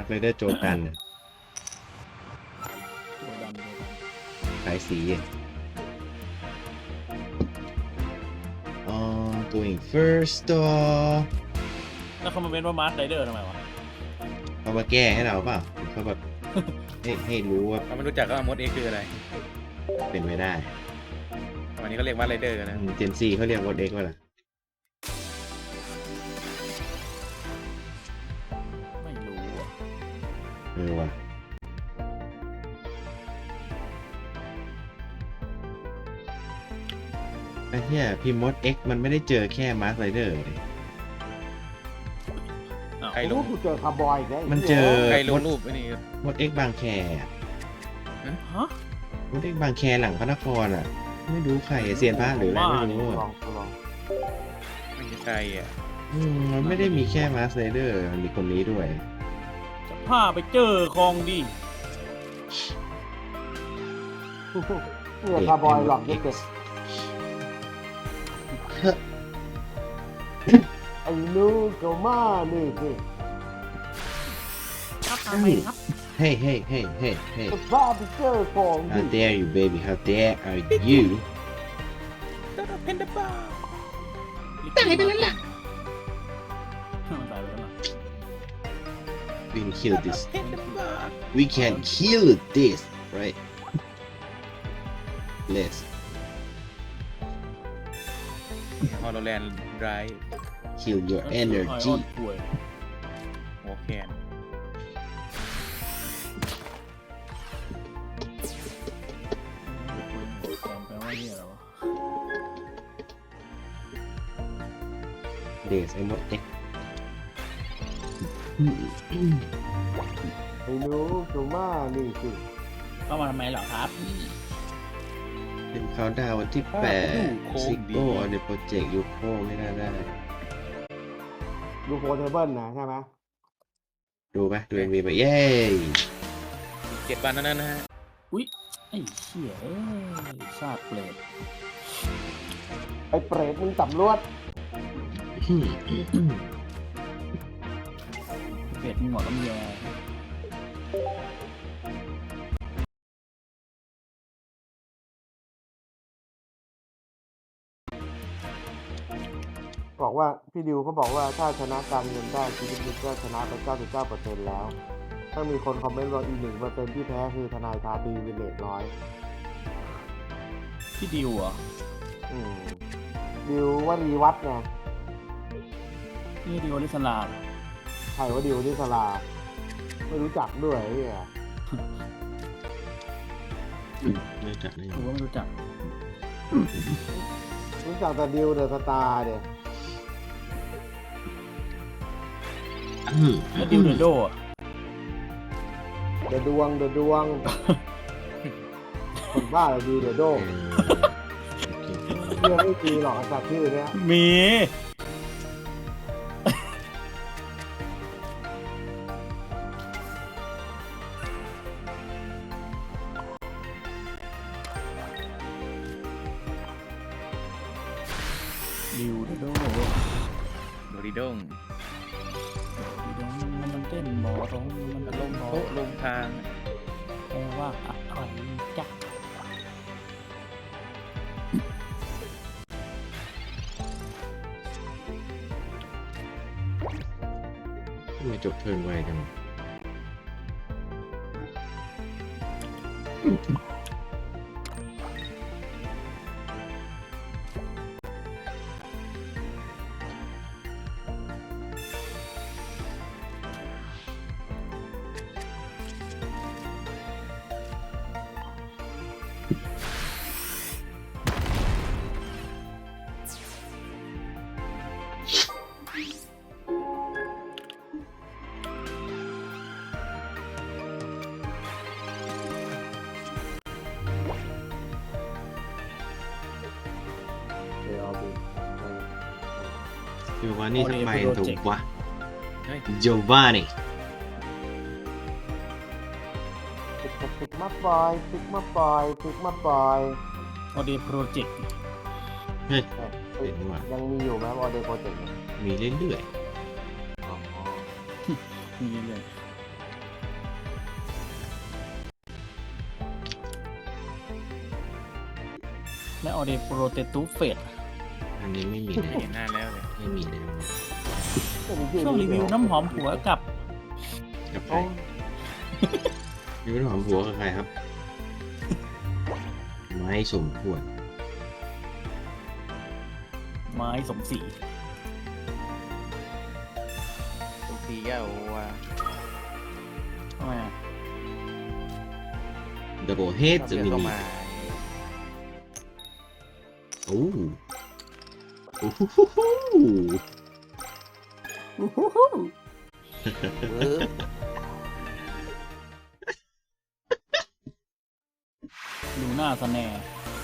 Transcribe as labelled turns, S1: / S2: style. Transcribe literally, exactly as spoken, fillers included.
S1: ไรเดอร์โจกัน
S2: ตัวดำตัวดำ
S1: ขายสีอ๋อ going first store
S2: แล้วเขามาเป็นว่ามาร์คไรเดอร์ทำไมวะ
S1: เขามาแก้ให้เราเปล่าเขาแบบ ให้ให้รู้ว่า
S3: เราไม่รู้จักก็มดเอ็กคืออะไร
S1: เป็นไม่ได้
S3: วันนี้ก็เรียกว่าไรเดอร์นะ
S1: เจนซีเขาเรียกวอดเอ็กว่าล่ะ
S2: ไม่รู้อะ
S1: เออว่ะไอ้เหี้ยพิมพ์มดเอ็กมันไม่ได้เจอแค่มาร์คไรเดอร์เลย
S2: อ้าว
S3: ใครล
S4: รู้
S3: ง
S4: กูเจอคาร์บอยอีกแล้ว
S1: มันเจอ
S3: ใครล
S1: ม
S3: ง
S1: ด
S3: รูปไอ้นี่
S1: มดเอ็กบางแคอะ
S2: ฮะ
S1: มดเอ็กบางแคหลังพระนครอ่ะ ไม่รู้ใครเซียนพระหรืออะไรไม่รู้
S4: ล
S1: อะ
S4: องลอง
S3: ไม่ใช่ใครอ่ะ
S1: อืมมันไม่ได้มีแค่มาร์คไรเดอร์มันมีคนนี้ด้วย
S2: จะพาไปเจอคลองดี
S4: เนี่ยคาร์บอยหลอกเด็กไอ้ลูกเจ้ามานี่สิ
S2: ครับทำไมครับ
S1: Hey hey hey hey hey
S4: จะพาไปเจอของดิ
S1: How dare you baby How dare are you
S3: เพนเดบ้า
S2: ตายไปแล้วล่ะมันตายไปแล้วล่ะ
S1: We can kill this
S3: เพนเดบ้า
S1: We can kill this right Let's
S3: ฮอลโลแลนด์ไร
S1: kill your
S2: ไอออน
S1: energy
S2: ป่วย
S3: หัวแคน
S2: แปลว่าเนี่ยเหรอวะ
S1: Days ไอ้มดเอ็ก
S4: ไอ้ลูกเจ้ามานี่สิ
S2: เข้ามาทำไมเหรอครับ
S1: เป็นเขาดาววันที่แปดซิโก้ในโปรเจกต์ยูโคไม่น่าได้
S4: ดูโฟเทเบิลนะใช่ไหม
S1: ดูไหมดูเอ็มวีไปเย้
S3: เจ็ดวันนั้นนะฮะ
S2: อุ๊ยไอ้เหี้ยเอ้ยชาติเปรต
S4: ไอ้เปรตมึงสำรวจ
S2: เปรตมีหมอตำแย
S4: บอกว่าพี่ดิวเขาบอกว่าถ้าชนะการเงินได้ชีวิตมึงก็ชนะไป เก้าสิบเก้าเปอร์เซ็นต์ แล้ว ถ้ามีคนคอมเมนต์ว่าอีกหนึ่งเปอร์เซ็นต์ที่แพ้คือทนายทาตีวินเลตร้อย
S2: พี่ดิวเหรอ
S4: อืมดิวว่ารีวัดไง
S2: นี่ดิวอลิสลาเหรอ
S4: ใครว่าดิวที่สลา ไม่รู้จักด้วยไอ้เนี่ย
S1: ไม่จัดเลย
S2: กูก็ไม่รู้จัก
S4: รู้จักแต่ดิวเดอะสตาร์เดีย
S2: แล้วดิวเดอะโดอะ
S4: เดอะดวงเดอะดวงคนบ้าเลยดิวเดอะโดเรื่องไม่ดีหรอกจากชื่อเนี้ย
S2: มีดิวเดอะโด
S3: โดริดง
S2: ดิดงมันเต้นหมอร้องมัน
S3: ล
S2: เต้
S3: ง
S2: นหมอ
S3: โต๊ะลงทาง
S2: แปลว่าอะไรจ๊ะ
S1: ไม่จบเทิร์นไวจังโจวานนี่ทำไมถูกวะ
S3: เฮ้ย
S1: โจวานี่
S4: ติดกับติดมาปล่อยติดมาปล่อยติดมาปล่อย
S2: ออเดย์โปรเจกต์
S1: เฮ้ย
S4: เอ้ย
S1: เห็นว่ะ
S4: ยังมีอยู่ไหมวอเดย์โปรเจกต์
S1: มีเรื่อย
S2: มีเรื่อยและออเดโปรเตตูเฟส
S1: อันนี้ไม่มี
S3: ไม่
S1: เลย
S3: เห็นหน้าแล้วเลย
S1: ไม่มีเลย
S2: ช่วงรีวิวน้ำหอมหัวกับ
S1: กับใครนี่เป็นหอมหัวกับใครครับ ไม่สมควร
S2: ไม้สมศรี
S3: ตรงทีก็เอาว่า
S2: ทำไมอะ
S1: ดับเบิลเฮดจะ
S3: เลือก
S1: มี
S3: เข้ามา
S1: โอ้โอ้โห
S3: เออ
S2: ลูน่าสแนร์